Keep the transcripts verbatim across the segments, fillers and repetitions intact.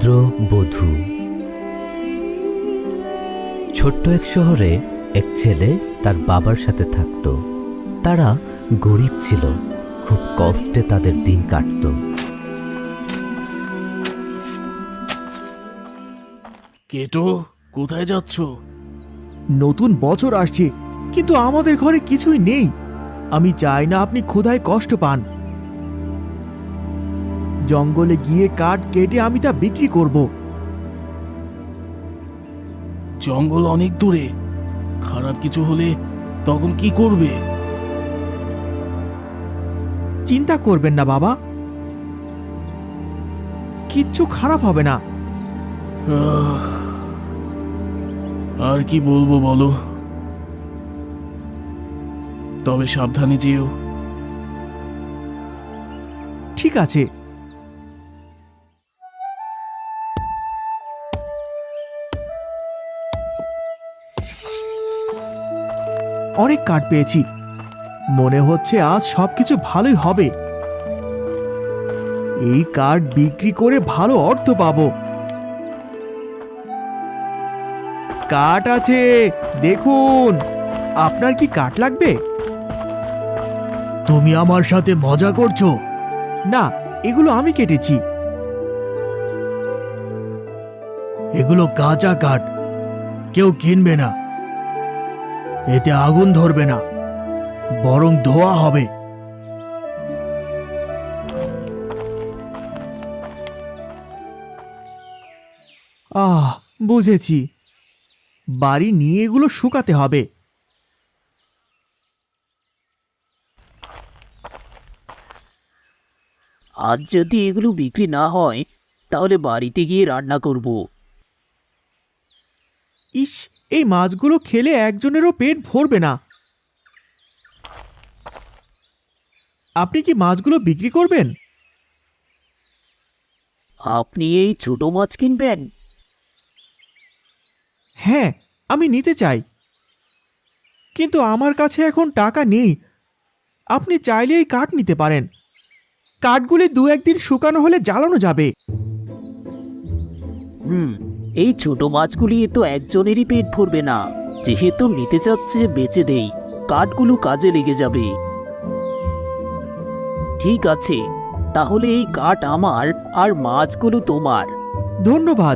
বধূ। ছোট্ট এক শহরে এক ছেলে তার বাবার সাথে থাকত। তারা গরিব ছিল, খুব কষ্টে তাদের দিন কাটত। কেটো, কোথায় যাচ্ছ? নতুন বছর আসছে, কিন্তু আমাদের ঘরে কিছুই নেই। আমি চাই না আপনি ক্ষুধায় কষ্ট পান। জঙ্গলে গিয়ে কাঠ কেটে আমি তা বিক্রি করব। জঙ্গল অনেক দূরে, খারাপ কিছু হলে তখন কি করবে? চিন্তা করবেন না বাবা, কিচ্ছু খারাপ হবে না। আহ, আর কি বলবো বলো, তবে সাবধানে যেও। ঠিক আছে। অনেক কাঠ পেয়েছি, মনে হচ্ছে আজ সবকিছু ভালোই হবে। এই কাঠ বিক্রি করে ভালো অর্থ পাবো। কাঠ আছে, দেখুন। আপনার কি কাঠ লাগবে? তুমি আমার সাথে মজা করছো? না, এগুলো আমি কেটেছি। এগুলো কাঁচা কাঠ, কেউ কিনবে না। এতে আগুন ধরবে না, বরং ধোয়া হবে। আহ, বুঝেছি। বাড়ি নিয়ে এগুলো শুকাতে হবে। আজ যদি এগুলো বিক্রি না হয় তাহলে বাড়িতে গিয়ে রান্না করব। ইস, এই মাছগুলো খেলে একজনেরও পেট ভরবে না। আপনি কি মাছগুলো বিক্রি করবেন? আপনি এই ছোট মাছ কিনবেন? হ্যাঁ, আমি নিতে চাই, কিন্তু আমার কাছে এখন টাকা নেই। আপনি চাইলে এই কাঠ নিতে পারেন। কাঠগুলি দু একদিন শুকানো হলে জ্বালানো যাবে। হুম, এই ছোট মাছগুলি তো একজনেরই পেট ভরবে না। যেহেতু নিতে চাচ্ছে বেচে দেই, কাঠগুলো কাজে লেগে যাবে। ঠিক আছে, তাহলে এই কাঠ আমার আর মাছগুলো তোমার। ধন্যবাদ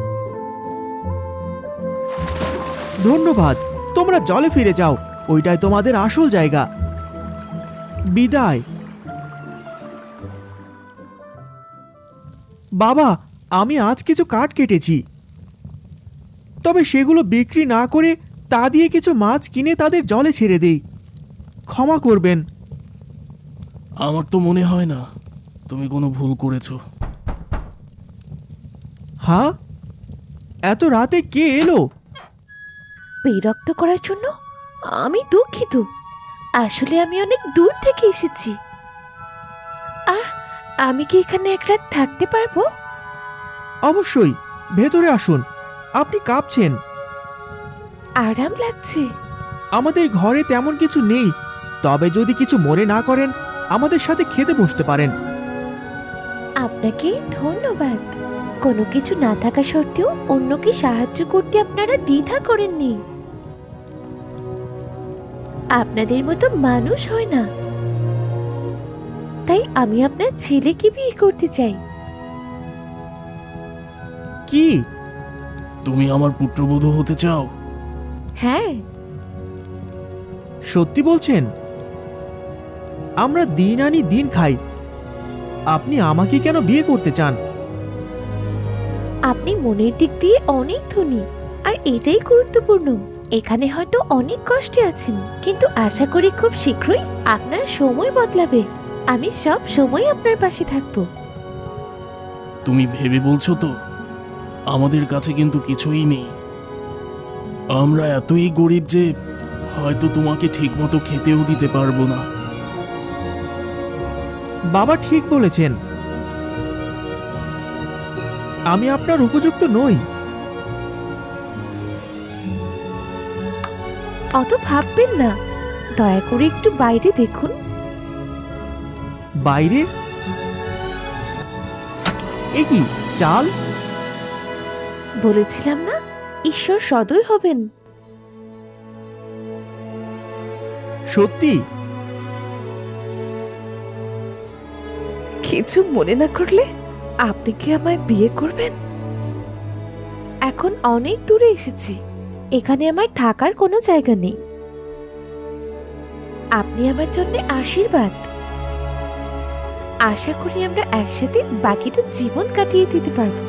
ধন্যবাদ তোমরা জলে ফিরে যাও, ওইটাই তোমাদের আসল জায়গা। বিদায়। বাবা, আমি আজ কিছু কাঠ কেটেছি, তবে সেগুলো বিক্রি না করে তা দিয়ে কিছু মাছ কিনে তাদের জলে ছেড়ে দেই। ক্ষমা করবেন। আমার তো মনে হয় না তুমি কোনো ভুল করেছো। হ্যাঁ, এত রাতে কে এলো? বিরক্ত করার জন্য আমি দুঃখিত। আসলে আমি অনেক দূর থেকে এসেছি। আহ, আমি কি এখানে এক রাত থাকতে পারবো? অবশ্যই, ভেতরে আসুন। আপনি কাঁপছেন। আরাম লাগছে। আমাদের ঘরে তেমন কিছু নেই, তবে যদি কিছু মনে না করেন আমাদের সাথে খেতে বসতে পারেন। আপনাকে ধন্যবাদ। কোনো কিছু না থাকা সত্ত্বেও অন্যকে সাহায্য করতে আপনারা দ্বিধা করেননি। আপনাদের মতো মানুষ হয় না, তাই আমি আপনার ছেলেকে বিয়ে করতে চাই। কি? তুমি আমার পুত্রবধূ হতে চাও? হ্যাঁ। সত্যি বলছেন? আমরা দিন আনি দিন খাই, আপনি আমাকে কেন বিয়ে করতে চান? আপনি মনের দিক দিয়ে অনেক ধনী, আর এটাই গুরুত্বপূর্ণ। এখানে হয়তো অনেক কষ্টে আছেন, কিন্তু আশা করি খুব শীঘ্রই আপনার সময় বদলাবে। আমি সব সময় আপনার পাশে থাকবো। তুমি ভেবে বলছো তো? আমাদের কাছে কিন্তু কিছুই নেই। আমরা এতই গরিব যে হয়তো তোমাকে ঠিকমতো খেতেও দিতে পারবো না। বাবা ঠিক বলেছেন, আমি আপনার উপযুক্ত নই। অত ভাববেন না, দয়া করে একটু বাইরে দেখুন। বাইরে? এ কি চাল? বলেছিলাম না, ঈশ্বর সদয় হবেন। সত্যি? কিছু মনে না করলে আপনি কি আমায় বিয়ে করবেন? এখন অনেক দূরে এসেছি, এখানে আমার থাকার কোনো জায়গা নেই। আপনি আমার জন্য আশীর্বাদ। আশা করি আমরা একসাথে বাকিটা জীবন কাটিয়ে দিতে পারবো।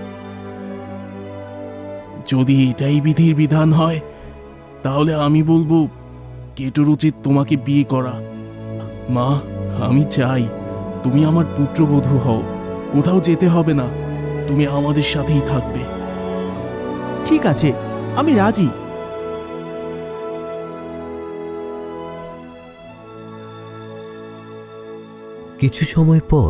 যদি এটাই বিধির বিধান হয়, তাহলে আমি বলবো কেটোর উচিত তোমাকে বিয়ে করা। মা, আমি চাই তুমি আমার পুত্রবধূ হও। কোথাও যেতে হবে না, তুমি আমাদের সাথেই থাকবে। ঠিক আছে, আমি রাজি। কিছু সময় পর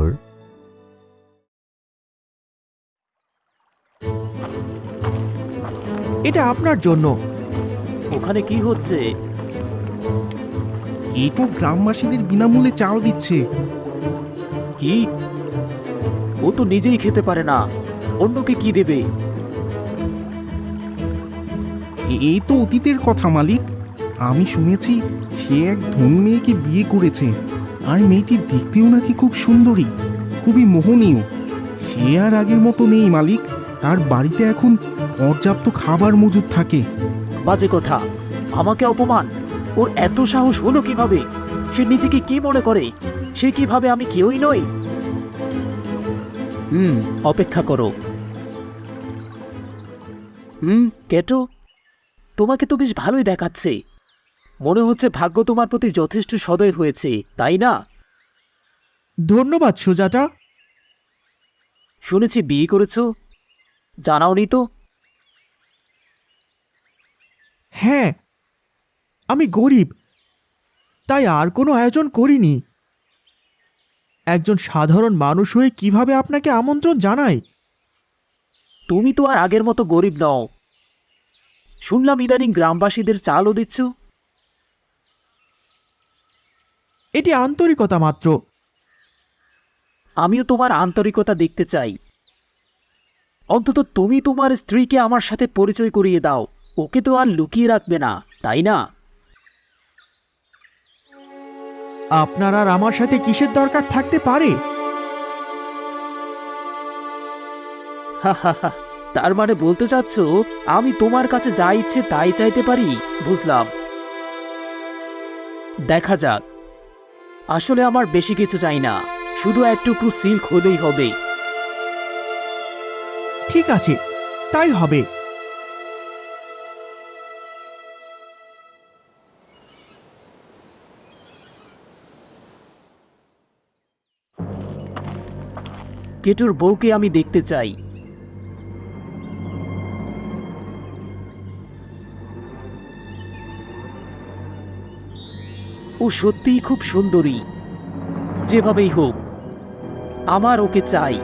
এটা আপনার জন্য। ওখানে কি হচ্ছে? কেটো গ্রামবাসীদের বিনামূল্যে চাল দিচ্ছে। কি? ও তো নিজেই খেতে পারে না, অন্যকে কি দেবে? এ- এই তো অতীতের কথা মালিক। আমি শুনেছি সে এক ধনী মেয়েকে বিয়ে করেছে, আর মেয়েটি দেখতেও নাকি খুব সুন্দরী, খুবই মোহনীয়। সে আর আগের মতো নেই মালিক। তার বাড়িতে এখন পর্যাপ্ত খাবার মজুদ থাকে। বাজে কথা, আমাকে অপমান! ওর এত সাহস হলো কিভাবে? সে নিজেকে কি মনে করে? সে কিভাবে আমি কেউই নই? হুম, অপেক্ষা করো। হুম, কেটো, তোমাকে তো বেশ ভালোই দেখাচ্ছে। মনে হচ্ছে ভাগ্য তোমার প্রতি যথেষ্ট সদয় হয়েছে, তাই না? ধন্যবাদ সুজাতা। শুনেছি বিয়ে করেছো, জানাওনি তো? হ্যাঁ, আমি গরিব, তাই আর কোনো আয়োজন করিনি। একজন সাধারণ মানুষ হয়ে কিভাবে আপনাকে আমন্ত্রণ জানাই? তুমি তো আর আগের মতো গরিব নও। শুনলাম ইদানিং গ্রামবাসীদের চালও দিচ্ছ। এটি আন্তরিকতা মাত্র। আমিও তোমার আন্তরিকতা দেখতে চাই। অন্তত তুমি তোমার স্ত্রীকে আমার সাথে পরিচয় করিয়ে দাও। ওকে তো আর লুকিয়ে রাখবে না, তাই না? আপনার আর আমার সাথে কিসের দরকার থাকতে পারে? হাহাহা, তার মানে বলতে চাচ্ছ আমি তোমার কাছে যা ইচ্ছে তাই চাইতে পারি? বুঝলাম। দেখা যাক। আসলে আমার বেশি কিছু চাই না, শুধু একটুকু সিল্ক হলেই হবে। ঠিক আছে, তাই হবে। কেটুর বউকে আমি দেখতে চাই। ও সত্যিই খুব সুন্দরী। যেভাবেই হোক, আমার ওকে চাই।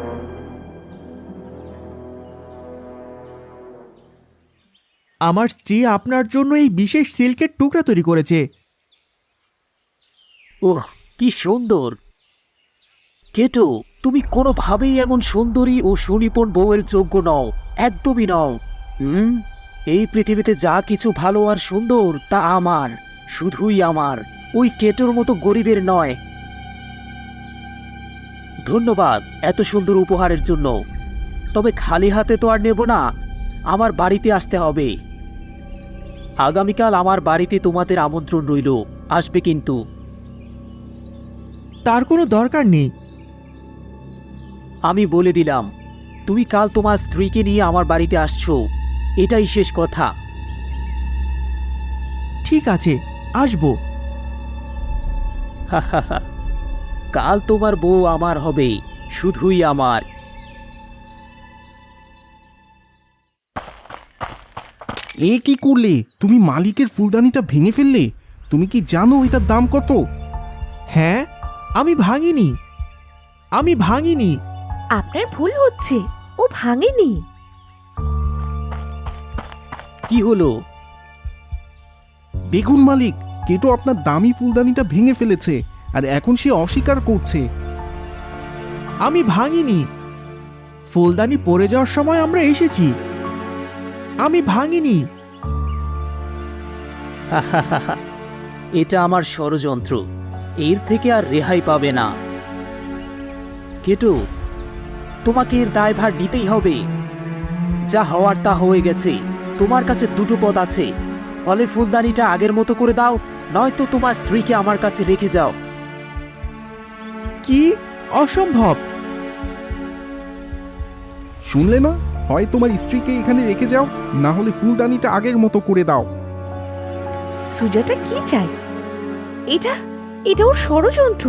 আমার স্ত্রী আপনার জন্য এই বিশেষ সিল্কের টুকরা তৈরি করেছে। ওহ, কি সুন্দর! কেটো, তুমি কোনোভাবেই এমন সুন্দরী ও সুনিপুণ বউয়ের যোগ্য নও, একদমই নও। হুম, এই পৃথিবীতে যা কিছু ভালো আর সুন্দর তা আমার, শুধুই আমার, ওই কেটোর মতো গরিবের নয়। ধন্যবাদ এত সুন্দর উপহারের জন্য। তবে খালি হাতে তো আর নেব না, আমার বাড়িতে আসতে হবে। আগামীকাল আমার বাড়িতে তোমাদের আমন্ত্রণ রইল, আসবে কিন্তু। তার কোনো দরকার নেই। আমি বলে দিলাম, তুমি কাল তোমার স্ত্রীকে নিয়ে আমার বাড়িতে আসছো, এটাই শেষ কথা। ঠিক আছে, আসবো। হাহাহা, কাল তোমার বউ আমার হবে, শুধুই আমার। এ কি করলে? তুমি মালিকের ফুলদানিটা ভেঙে ফেললে। তুমি কি জানো এটার দাম কত? হ্যাঁ, আমি ভাঙিনি, আমি ভাঙিনি। আপনার ভুল হচ্ছে, ও ভাঙেনি। কি হলো? দেখুন মালিক, কেটো আপনার দামি ফুলদানিটা ভেঙে ফেলেছে, আর এখন সে অস্বীকার করছে। আমি ভাঙিনি। ফুলদানি পড়ে যাওয়ার সময় আমরা এসেছি। আমি ভাঙিনি। এটা আমার ষড়যন্ত্র, এর থেকে আর রেহাই পাবে না। কেটো, তোমাকে এর দায়ভার নিতেই হবে। যা হওয়ার তা হয়ে গেছে। তোমার কাছে দুটো পথ আছে, ফলে ফুলদানিটা আগের মতো করে দাও, নয়তো তোমার স্ত্রীকে আমার কাছে রেখে যাও। কি? অসম্ভব। শুনলে না? হয় তোমার স্ত্রীকে এখানে রেখে যাও, না হলে ফুলদানিটা আগের মতো করে দাও। সুজাটা কি চায়? এটা এটা ওর ষড়যন্ত্র।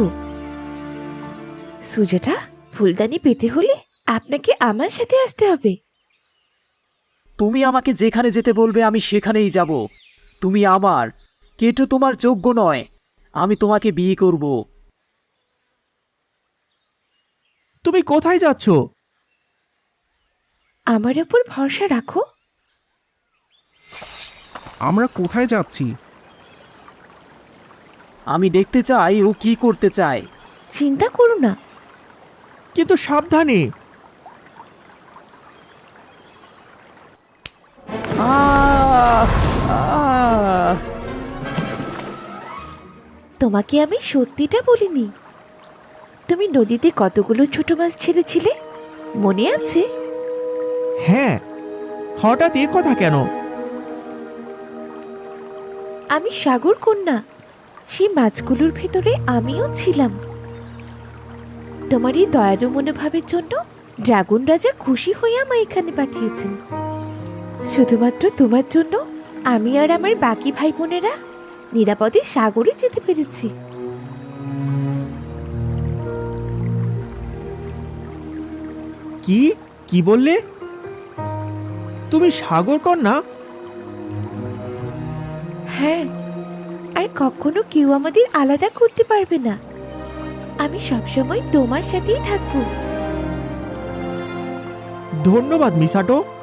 সুজাটা, ফুলদানি পেতে হলে আপনাকে আমার সাথে আসতে হবে। তুমি আমাকে যেখানে যেতে বলবে আমি সেখানেই যাব। তুমি আমার, কেটো তোমার যোগ্য নয়। আমি তোমাকে বিয়ে করব। তুমি কোথায় যাচ্ছ? আমার ওপর ভরসা রাখো। আমরা কোথায় যাচ্ছি? আমি দেখতে চাই ও কি করতে চায়। চিন্তা করো না। কিন্তু সাবধানে। আহ! আহ! তোমাকে আমি সত্যিটা বলিনি। তুমি নদীতে কতগুলো ছোট মাছ ছেড়েছিলে, মনে আছে? হ্যাঁ, হঠাৎ এ কথা কেন? আমি সাগর কন্যা, সেই মাছগুলোর ভেতরে আমিও ছিলাম। তোমার এই দয়ালু মনোভাবের জন্য ড্রাগন রাজা খুশি হয়ে আমায় এখানে পাঠিয়েছেন। শুধুমাত্র তোমার জন্য আমি আর আমার বাকি ভাই বোনেরা নিরাপদে সাগরে যেতে পেরেছি। কি কি বললে? তুমি সাগর কন্যা? হ্যাঁ, আর কখনো কেউ আমাদের আলাদা করতে পারবে না। আমি সবসময় তোমার সাথেই থাকবো। ধন্যবাদ মিসাটো।